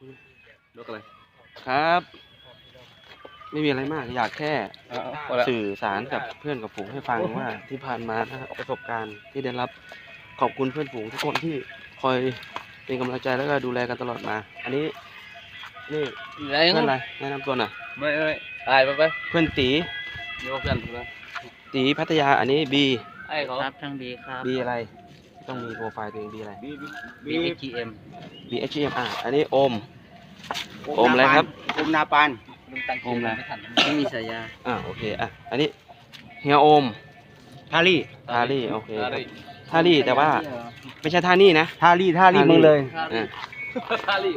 ยกอะไรครับ ไม่มีอะไรมากอยากแค่สื่อสารกับเพื่อนกับฝูงให้ฟังว่าที่ผ่านมานะครับประสบการณ์ที่ได้รับขอบคุณเพื่อนฝูงทุกคนที่คอยเป็นกำลังใจแล้วก็ดูแลกันตลอดมา อันนี้นี่เพื่อนอะไรแนะนำตัวหน่อยไม่ตายไปเพื่อนตียกกันนะตีพัทยาอันนี้บีไอ้เขาครับทางบีครับบีอะไรต้องมีโปรไฟล์ตัวเองบีอะไร BHGM BHGM อันนี้โอมอะไรครับโอมนาปานโอมอะไรไม่มีฉายาโอเคอันนี้เฮียโอมทารี่โอเคทารี่แต่ว่าไม่ใช่ท่านี่นะทารี่มึงเลยทารี่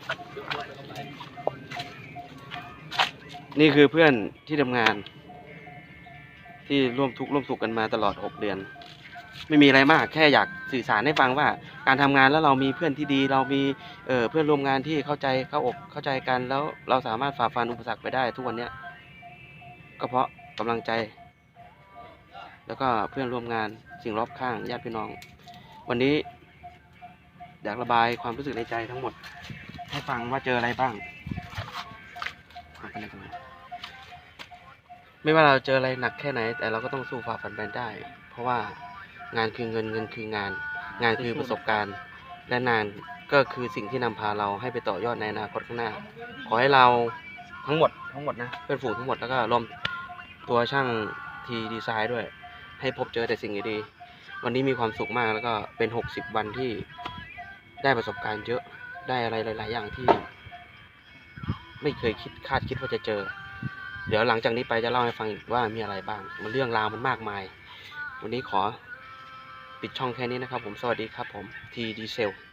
นี่คือเพื่อนที่ทำงานที่ร่วมทุกข์ร่วมสุขกันมาตลอด6 เดือนไม่มีอะไรมากแค่อยากสื่อสารให้ฟังว่าการทำงานแล้วเรามีเพื่อนที่ดีเรามีเพื่อนร่วมงานที่เข้าใจเข้าอกเข้าใจกันแล้วเราสามารถฝ่าฟันอุปสรรคไปได้ทุกวันนี้ก็เพราะกำลังใจแล้วก็เพื่อนร่วมงานสิ่งรอบข้างญาติพี่น้องวันนี้อยากระบายความรู้สึกในใจทั้งหมดให้ฟังว่าเจออะไรบ้างไม่ว่าเราเจออะไรหนักแค่ไหนแต่เราก็ต้องสู้ฝ่าฟันไปได้เพราะว่างานคือเงินคืองานคือประสบการณ์และงานก็คือสิ่งที่นำพาเราให้ไปต่อยอดในอนาคตข้างหน้าขอให้เราทั้งหมดนะเพื่อนฝูงทั้งหมดแล้วก็รวมตัวช่างทีดีไซน์ด้วยให้พบเจอแต่สิ่งดีๆวันนี้มีความสุขมากแล้วก็เป็น60 วันที่ได้ประสบการณ์เยอะได้อะไรหลายๆอย่างที่ไม่เคยคาดคิดว่าจะเจอเดี๋ยวหลังจากนี้ไปจะเล่าให้ฟังอีกว่ามีอะไรบ้างมันเรื่องราวมันมากมายวันนี้ขอปิดช่องแค่นี้นะครับผมสวัสดีครับผมทีดีเซล